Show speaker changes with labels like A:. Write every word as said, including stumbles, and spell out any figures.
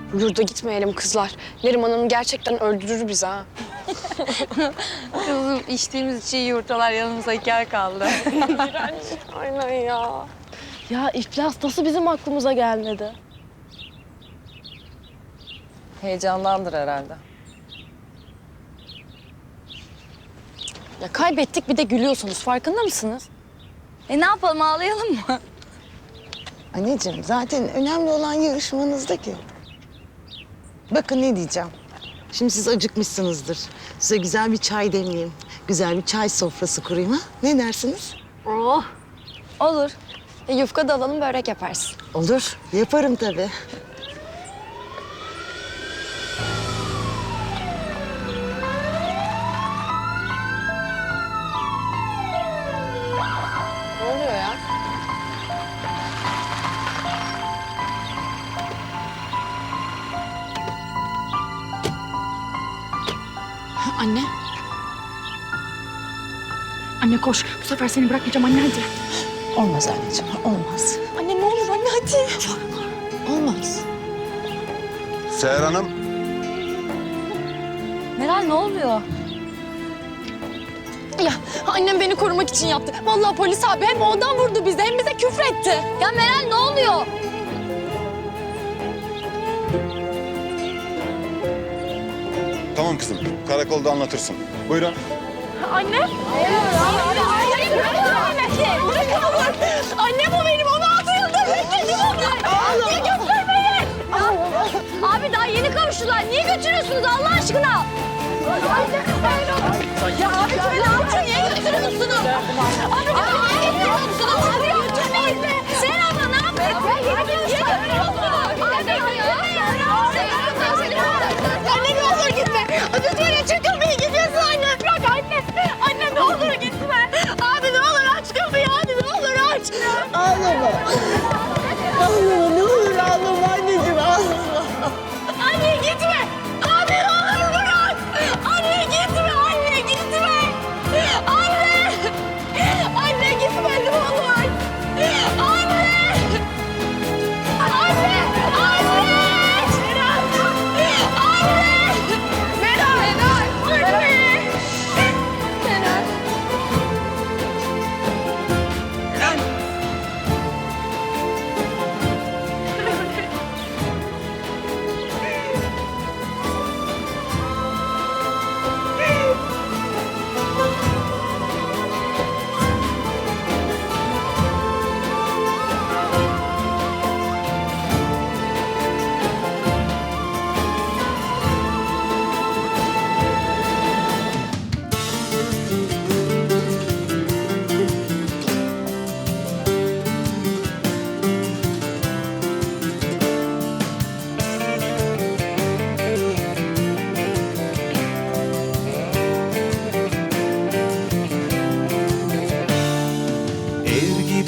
A: Yurda gitmeyelim kızlar. Neriman Hanım gerçekten öldürür bizi ha.
B: Kızım içtiğimiz çiğ yumurtalar yanımıza hikaye kaldı.
A: Aynen ya.
C: Ya iflas nasıl bizim aklımıza gelmedi?
B: Heyecandandır herhalde.
C: Ya kaybettik bir de gülüyorsunuz. Farkında mısınız?
B: E ne yapalım, ağlayalım mı?
D: Anneciğim zaten önemli olan yarışmanızdaki. Bakın ne diyeceğim. Şimdi siz acıkmışsınızdır. Size güzel bir çay demleyeyim. Güzel bir çay sofrası kurayım ha? Ne dersiniz?
C: Oh. Olur. E, yufka da alalım, börek yaparsın.
D: Olur. Yaparım tabii.
A: Ne oluyor ya?
E: Anne. Anne koş. Bu sefer seni bırakmayacağım anne, hadi.
D: Olmaz anneciğim, olmaz.
E: Anne ne olur anne, hadi.
D: Olmaz.
F: Seher Hanım,
B: Meral ne oluyor?
C: Ya annem beni korumak için yaptı. Vallahi polis abi hem ondan vurdu bizi hem bize küfretti.
B: Ya Meral ne oluyor?
F: tamam kızım. Karakolda anlatırsın. Buyurun.
C: Anne. Hayır, hayır, bırakın Ahmet'i. Bırakın onu. Annem o benim, onu altı yıldır bekledim onu. Niye götürmeyin?
B: Abi daha yeni kavuştular. Niye götürüyorsunuz Allah aşkına?
C: Ya abi şöyle altı niye götürüyorsunuz? Abi niye götürüyorsunuz? Abi